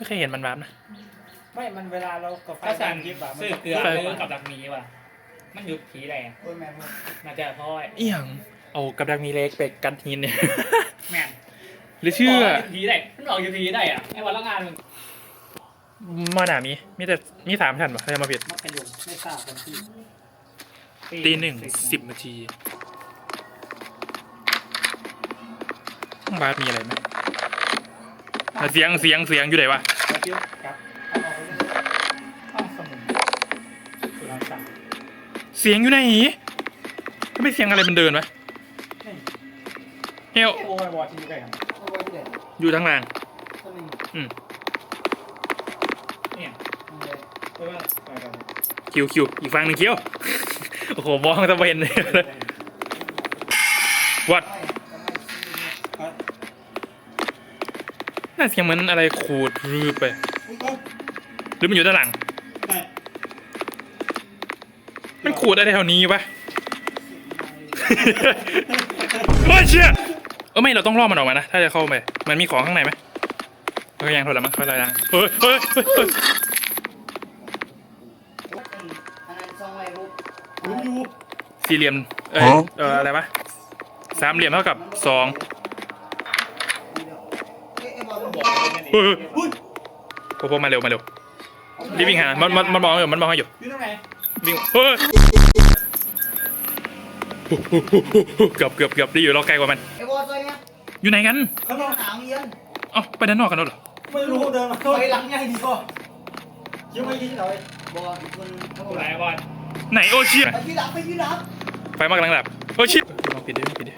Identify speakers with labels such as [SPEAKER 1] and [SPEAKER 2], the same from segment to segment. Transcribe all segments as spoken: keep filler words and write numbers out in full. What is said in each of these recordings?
[SPEAKER 1] ไม่เคยเห็นมันแบบนะ
[SPEAKER 2] ไม่มันเวลาเรากับไฟ
[SPEAKER 3] ถ้าสั่ง
[SPEAKER 2] ยิบแบบ
[SPEAKER 3] ซื้อเกลือหรือกับดักหมีว่ะมันหยุดผีได้อะ
[SPEAKER 2] โอ้ยแม่พวก
[SPEAKER 3] น่าจะเพราะว่า
[SPEAKER 1] เอียงเอากับดักมีเล็กไปกันหินเนี่ย
[SPEAKER 3] แม่ง
[SPEAKER 1] หรือเชื่อ
[SPEAKER 3] หยุดผีได้มันออกหยุดผีได้อะไอ้วันละงานมึง
[SPEAKER 1] มาหนามีมีแต่มีสามชั้นปะถ้าจะมาผิด
[SPEAKER 2] มัธยมไม่ทราบกันที่
[SPEAKER 1] ตีหนึ่งสิบนาทีห้องบาสมีอะไรไหมอ่ะเสียงเสียงเสียงอยู่ไหนวะ
[SPEAKER 2] แล้วคิ้วครับเอาออกไปเลยห้องสมุนสุราษฎร์
[SPEAKER 1] เสียงอยู่ไหนถ้าไม่เสียงอะไรมันเดินวะเฮล
[SPEAKER 2] โอ้ยวอร์ทีได้ครับโอ้ยที่ไหน
[SPEAKER 1] อยู่ทั้งล่าง
[SPEAKER 2] ตัวนึง
[SPEAKER 1] อืม
[SPEAKER 3] เนี่ย
[SPEAKER 2] เลยเพราะว่าไปกัน
[SPEAKER 1] คิวคิวอีกฝั่งหนึ่งคิว โอ้โหมองตะเวนเลยวัดน่าเสียงเหมือนอะไรขูดรืบไปหรือมันอยู่ด้านหลังมันขูดอะไรแถวนี้ปะ โอ้ยเชี่ยเออไม่เราต้องล่อมันออกมานะถ้าจะเข้าไปมันมีของข้างในไหมก็ยังโทษละมั้งเขาอะไรยังเฮ้ยเฮ้ยเฮ้ยเฮ้ย
[SPEAKER 4] อันนั้นซองอะไรลูก
[SPEAKER 2] รู้อยู่
[SPEAKER 1] สี่เหลี่ยมเอยเอออะไรวะสามเหลี่ยมเท่ากับสอง
[SPEAKER 4] เอ๊ะไอ้บอลมัน
[SPEAKER 3] บบ อ
[SPEAKER 4] อก ก
[SPEAKER 3] เลยนั่นเอ
[SPEAKER 1] เฮ้ย
[SPEAKER 3] ง
[SPEAKER 1] เฮ้ยพวกพวกมาเร็วมาเร็วรีบวิ่งหามันมันมันมองอยู่มันมองอยู่
[SPEAKER 2] อยู่ตรงไหน
[SPEAKER 1] วิ่งเฮ้ยเกือบเกือบเกือบได้อยู่เราไกลกว่ามัน
[SPEAKER 4] ไอ้บอลตัวเนี้ย
[SPEAKER 1] อยู่ไหนกัน
[SPEAKER 2] ข้างนอก
[SPEAKER 4] หางเยียน
[SPEAKER 1] เอ้าไปด้านนอกกันแล้วเหรอ
[SPEAKER 2] ไม่รู้เดินมา
[SPEAKER 4] ไปหลังใหญ่ดีกว่า
[SPEAKER 2] คิ้วไม่ยิงเลย
[SPEAKER 4] บอลอีกคนเขา
[SPEAKER 3] กู
[SPEAKER 4] บอก
[SPEAKER 3] ไหนบอล
[SPEAKER 1] ไหนโอเชีย
[SPEAKER 4] ไปที่หลังไปที่หลัง
[SPEAKER 1] ไฟมากำลังดับโอเชียลองปิดดิปิดดิ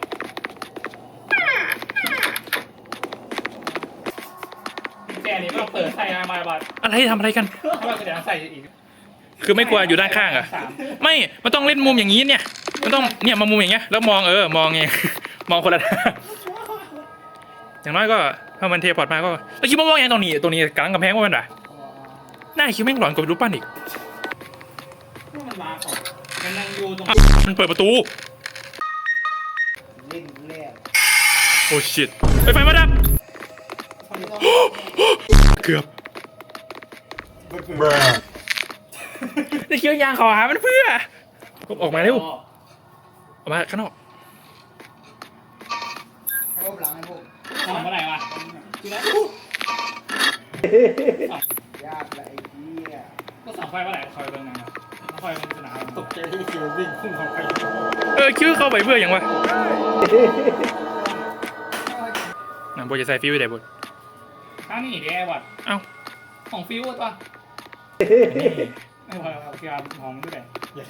[SPEAKER 3] แกนี่ไม่ต้องเปิดใส่มาบอล
[SPEAKER 1] อะไรทำอะไรกัน
[SPEAKER 3] ถ้าเราจะเดี๋ยวใส่อีก
[SPEAKER 1] คือไม่กลัวอยู่ด้านข้างเหรอะ
[SPEAKER 3] สาม
[SPEAKER 1] ไม่ มันต้องเล่นมุมอย่างนี้เนี่ย มันต้องเนี่ยมามุมอย่างเงี้ย แล้วมองเออ มองไง มองคนละทางอย่างน้อยก็ถ้ามันเทพอร์ตมาก็แล้วคิดว่ามองอย่างตรงนี้ตรงนี้กลางกำแพงว่ามันอะหน้าคิวแม่งหลอนกว่ารูปปั้นอีก
[SPEAKER 3] มันมาของมันนั่งอยู่ตรง
[SPEAKER 1] อ่ะมันเปิดประตู
[SPEAKER 4] เล่นแรก
[SPEAKER 1] โอ้ชิตไฟไฟมาดับ เกือบนี่คิวยางขอหามันเพื่อออกมาเร็วออกมาข้างนอก
[SPEAKER 4] ให้พวกหลังให้พวก
[SPEAKER 3] ทำเมื่อไหร่วะ
[SPEAKER 4] ยากละไอ้เหี้ย
[SPEAKER 3] ก็สั่งไฟเมื่อไหร่คอยเบิ่งนะคอยมันสนาม
[SPEAKER 2] ตกใจที่คิ้ววิ่งพุ่งเข้าไป
[SPEAKER 1] เออคิวเข้าไปเพื่ออย่างวะน้ำโบจะใส่ฟิวได้บด
[SPEAKER 3] ข้างนี้ดิไอ้บอล
[SPEAKER 1] เอ้า
[SPEAKER 3] ของฟิวป่ะไอ้บอลพยายามมองด้วย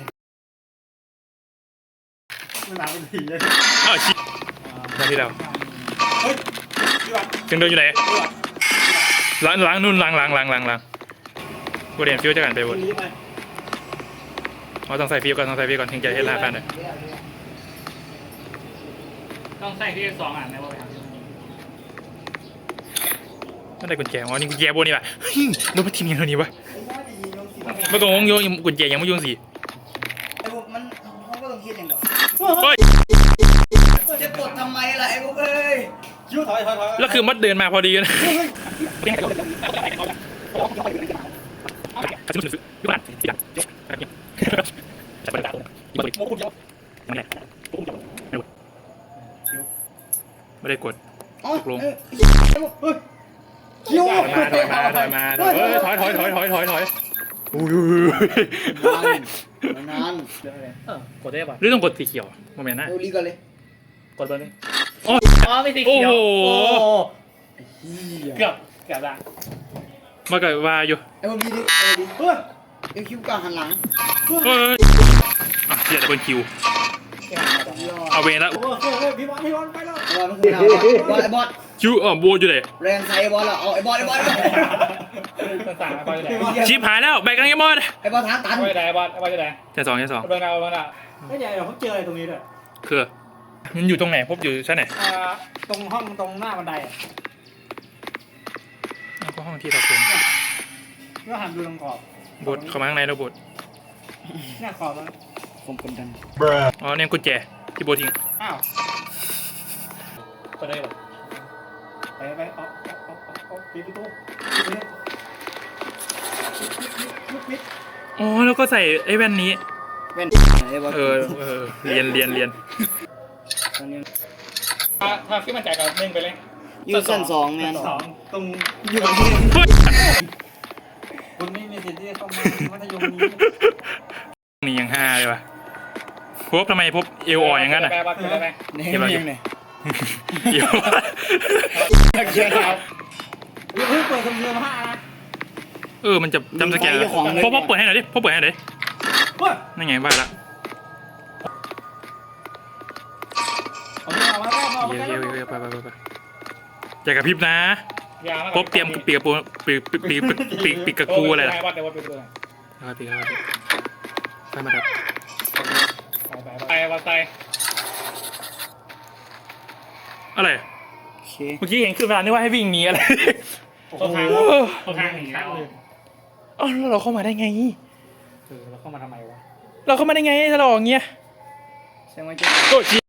[SPEAKER 2] มันหนาเป็นผีเลย
[SPEAKER 1] อ้าวชิมาที่เรา
[SPEAKER 2] เฮ้ยพี่วัด
[SPEAKER 1] เสียงเดินอยู่ไหนล้างล้างนู่นล้างล้างล้างล้างล้างกูเรียนฟิวจะกันไปบด
[SPEAKER 2] รีบไป
[SPEAKER 1] เราต้องใส่ฟิวก่อนต้องใส่ฟิวก่อนถึงจะเห็นลากันเลย
[SPEAKER 3] ต้องใส่ที่สองอ่านในว่าไปทำ
[SPEAKER 1] ต้องได้กุญแจอ๋อนี่กุญแจโบนี่ป่ะเฮ้ยโดนมาทีมยังเท่านี้วะไม่ต้องงงโยงกุญแจยังไม่ยุ่งสิ
[SPEAKER 4] ไอ้พวกมันเขาก็ต้องคิดอย่างเดียว
[SPEAKER 1] เฮ้ย
[SPEAKER 4] จะกดทำไมล่ะไอ้พวกเอ้ย
[SPEAKER 2] คิ้วถอยถอยถอย
[SPEAKER 1] แล้วคือมัดเดินมาพอดีนะไม่ได้กด
[SPEAKER 4] อ๋อ
[SPEAKER 1] ตกลง
[SPEAKER 4] เอ้ยเฮ้ยคิว
[SPEAKER 1] ถอยมาถอยมาถอยมาเออถอยถอยถอยถอยถอยถอยอุ้ย
[SPEAKER 4] นาน
[SPEAKER 3] เออกดได้ป่ะ
[SPEAKER 1] หรือต้องกดสีเขียวโมเมนต์นะ
[SPEAKER 4] เร็วรีกันเลย
[SPEAKER 3] กดเบอร์นึง
[SPEAKER 1] โอ้
[SPEAKER 3] อ๋อไม่สี
[SPEAKER 1] โอ้
[SPEAKER 3] เขียว
[SPEAKER 1] โห
[SPEAKER 3] เกือบเกือบละ
[SPEAKER 1] มากับวาอยู่
[SPEAKER 4] ไอ้พวกนี้ดิไอ้พวกนี้เฮ้ยไอ้คิวกลางหันหลัง
[SPEAKER 1] เฮ้ยอ่ะเสียแต่บนคิวเอาเวรแล้ว
[SPEAKER 2] โอ้โหพี่บอลพี่บอลไปแล้ว
[SPEAKER 4] บอลมันคือเราบอลไอ้บอล
[SPEAKER 1] คิวอ๋อโบอยู่ไหน
[SPEAKER 4] แรงใส่ไอ้บอลละเอาไอ้บอลไอ้บอลไอ้บอล
[SPEAKER 3] สั่งไปจะไหน
[SPEAKER 1] ชิปหายแล้วแบกกันยังมอด
[SPEAKER 4] ไอ้บอลทางตัน
[SPEAKER 3] ไปจะไหนบอลไปจะไหน
[SPEAKER 1] แค่สองแค่สอง
[SPEAKER 3] เบอร์นาเบอร์นา
[SPEAKER 2] ไม่ใหญ่เดี๋ยวเขาเจออะไรตรงนี้ด้วย
[SPEAKER 1] คือมันอยู่ตรงไหนพบอยู่ชั้นไหน
[SPEAKER 2] อ่าตรงห้องตรงหน้าบันได
[SPEAKER 1] แล้วก็ห้องที่เราเป็น
[SPEAKER 2] ก็หันดูตรงขอบบ
[SPEAKER 1] ดเข้ามาข้างในแล้วบด
[SPEAKER 2] หน้าขอบมัน
[SPEAKER 4] ผมกดดัน
[SPEAKER 1] อ๋อเนี่ยกุญแจที่โบทิ้ง
[SPEAKER 2] อ้าว
[SPEAKER 3] ก็ได้ป่ะ
[SPEAKER 2] ไปไปเอาเอาเอาเอาปิดประตู
[SPEAKER 1] อ๋อแล้วก็ใส่ไอ้แว่นนี้
[SPEAKER 4] แว่นไอ้บอส
[SPEAKER 1] เออเออเรียนเรียนเรียน
[SPEAKER 4] ตอนนี้
[SPEAKER 3] ถ้าถ้าคิดมันใจกับเด้งไปเลย
[SPEAKER 4] อยู่สั้นสองแมน
[SPEAKER 3] สองตรง
[SPEAKER 4] อยู่กับที่
[SPEAKER 2] คุณไม่มีสิทธิ์ที่จะเข้ามามัธยมนี้
[SPEAKER 1] นี่ยังห้าเลยวะพบทำไมพบเอวอ่อยอย่างนั้นอ่ะ
[SPEAKER 3] แปลว่าคืออะไร
[SPEAKER 4] เนี่ย
[SPEAKER 1] เก็บไว้
[SPEAKER 4] เองเนี่ย
[SPEAKER 1] เอว
[SPEAKER 3] เขียนครับ
[SPEAKER 2] อย่าเพิ่งเปิดคำเตือนห้านะ
[SPEAKER 1] เออมันจะจำสแกนพบพบเปิดให้หน่อยดิพบเปิดให้หน่อยดิ
[SPEAKER 2] เฮ้ย
[SPEAKER 1] นั่นไงว่าละ
[SPEAKER 2] เอาเรื่องมาแล้วมา
[SPEAKER 1] เย
[SPEAKER 2] แล้ว
[SPEAKER 1] อะเยอะเยอะไปไปไปไปอย่ากระพริบนะ
[SPEAKER 3] ยา
[SPEAKER 1] พบเตรียมปีกกระปูปีกปีกปีกปีกปีกกระกูอะไรล่ะ
[SPEAKER 3] วัดเดี๋ยววัดไปดู
[SPEAKER 1] เอาปีกเอาปีกไปมาดับ
[SPEAKER 3] ไปวัดไป
[SPEAKER 1] อะไร
[SPEAKER 4] โอเค
[SPEAKER 1] เมื่อกี้เห็นคือเวลานี่ว่าให้วิ่งหนีอะไร
[SPEAKER 3] ตัวทาง
[SPEAKER 1] เออ
[SPEAKER 3] ตัวทางหนีแล้ว
[SPEAKER 1] อ๋อแล้วเราเข้ามาได้ไง
[SPEAKER 3] เออเราเข้ามาทำไมวะ
[SPEAKER 1] เราเข้ามาได้ไงถ้าเราออกอย่างเงี้ย
[SPEAKER 4] ใช่ไหมเจ๊
[SPEAKER 1] โอ้ย